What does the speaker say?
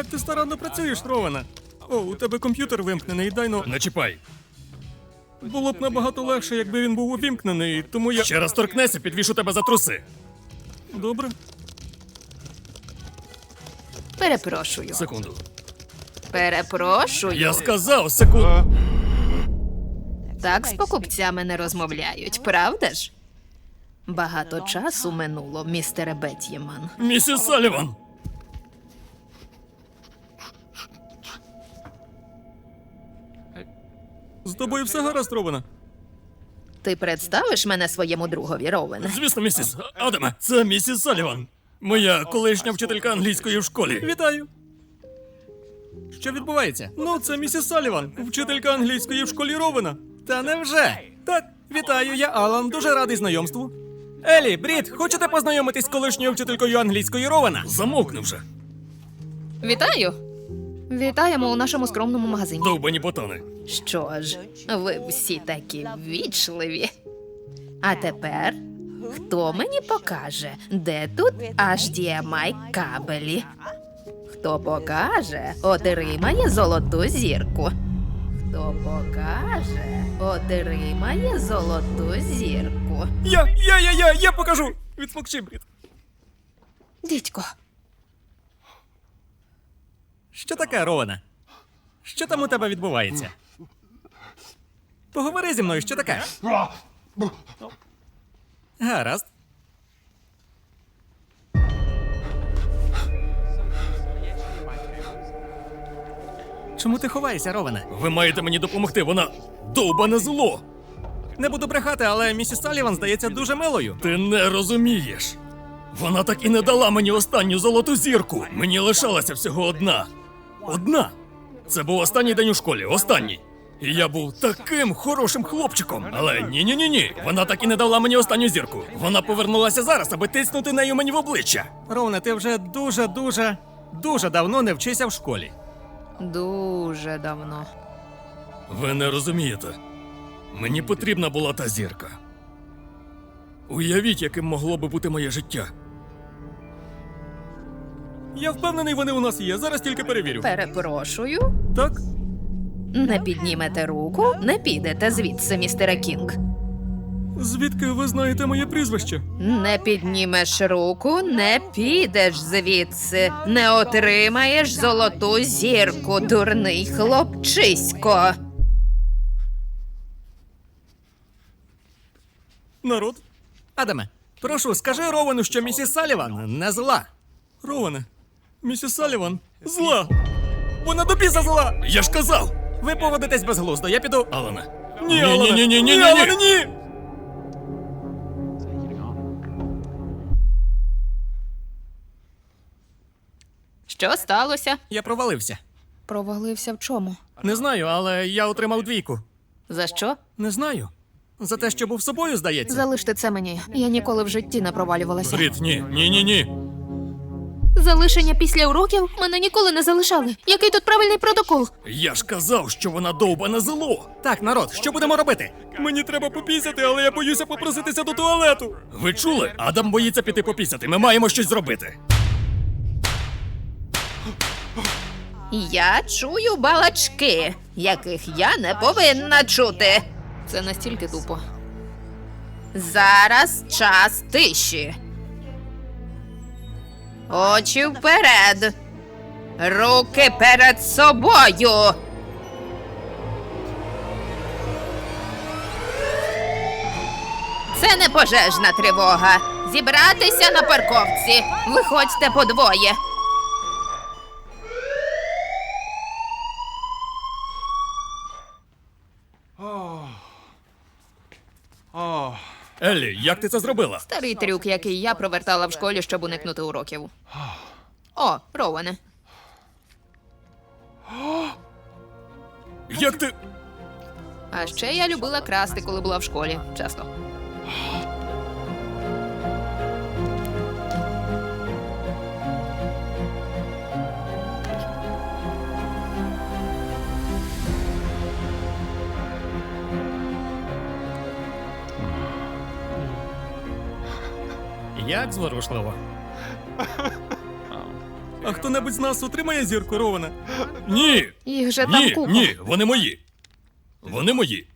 Як ти старанно працюєш, Рована? О, у тебе комп'ютер вимкнений, дай ну. Не чіпай. Було б набагато легше, якби він був увімкнений, тому я. Ще раз торкнешся, підвішу тебе за труси. Добре. Перепрошую. Секунду. Перепрошую. Я сказав, секунду. Так з покупцями не розмовляють, правда ж? Багато часу минуло, містере Бет'єман. Місіс Саліван. З тобою все гаразд, Рована? Ти представиш мене своєму другові, Роуене? Звісно, місіс. Адаме, це місіс Саліван. Моя колишня вчителька англійської в школі. Вітаю. Що відбувається? Ну, це місіс Саліван, вчителька англійської в школі Рована. Та невже? Так, вітаю, я Алан, дуже радий знайомству. Елі, Брід, хочете познайомитись з колишньою вчителькою англійської Рована? Замовкни вже. Вітаю! Вітаємо у нашому скромному магазині. Довбані ботани. Що ж, ви всі такі ввічливі. А тепер, хто мені покаже, де тут HDMI кабелі? Хто покаже, отримає золоту зірку. Хто покаже, отримає золоту зірку. Я покажу! Відсмокчи, Брід. Дідько, Що таке, Рована? Що там у тебе відбувається? Поговори зі мною, що таке? Гаразд. Чому ти ховаєшся, Роване? Ви маєте мені допомогти, вона довбане зло. Не буду брехати, але місіс Саліван здається дуже милою. Ти не розумієш. Вона так і не дала мені останню золоту зірку. Мені лишалася всього одна. Одна. Це був останній день у школі, останній. І я був таким хорошим хлопчиком. Але ні. Вона так і не дала мені останню зірку. Вона повернулася зараз, аби тиснути нею мені в обличчя. Роване, ти вже дуже давно не вчишся в школі. дуже давно. Ви не розумієте. Мені потрібна була та зірка. Уявіть, яким могло би бути моє життя. Я впевнений, вони у нас є. Зараз тільки перевірю. Перепрошую. Так? Не піднімете руку, не підете звідси, містере Кінг. Звідки ви знаєте моє прізвище? Не піднімеш руку, не підеш звідси. Не отримаєш золоту зірку, дурний хлопчисько. Народ? Адаме, прошу, скажи Ровану, що місіс Саліван не зла. Роване, місіс Саліван зла. Вона до біса зла. Я ж казав! Ви поводитесь безглуздо, я піду. Алане. Ні, Алане. Ні. Алане, ні. Що сталося? Я провалився. Провалився в чому? Не знаю, але я отримав 2. За що? Не знаю. За те, що був собою, здається. Залиште це мені. Я ніколи в житті не провалювалася. Брід, ні. Залишення після уроків мене ніколи не залишали. Який тут правильний протокол? Я ж казав, що вона довбане зло. Так, народ, що будемо робити? Мені треба попісяти, але я боюся попроситися до туалету. Ви чули? Адам боїться піти попісяти. Ми маємо щось зробити. Я чую балачки, яких я не повинна чути. Це настільки тупо. Зараз час тиші. Очі вперед. Руки перед собою. Це не пожежна тривога. Зібратися на парковці. Виходьте подвоє. Еллі, як ти це зробила? Старий трюк, який я провертала в школі, щоб уникнути уроків. О, Роуене. Як ти... А ще я любила красти, коли була в школі. Часто. Як зворушливо. А хто-небудь з нас отримає зірку, Роване? Ні! Їх же там Ні, купа. ні, вони мої. Вони мої.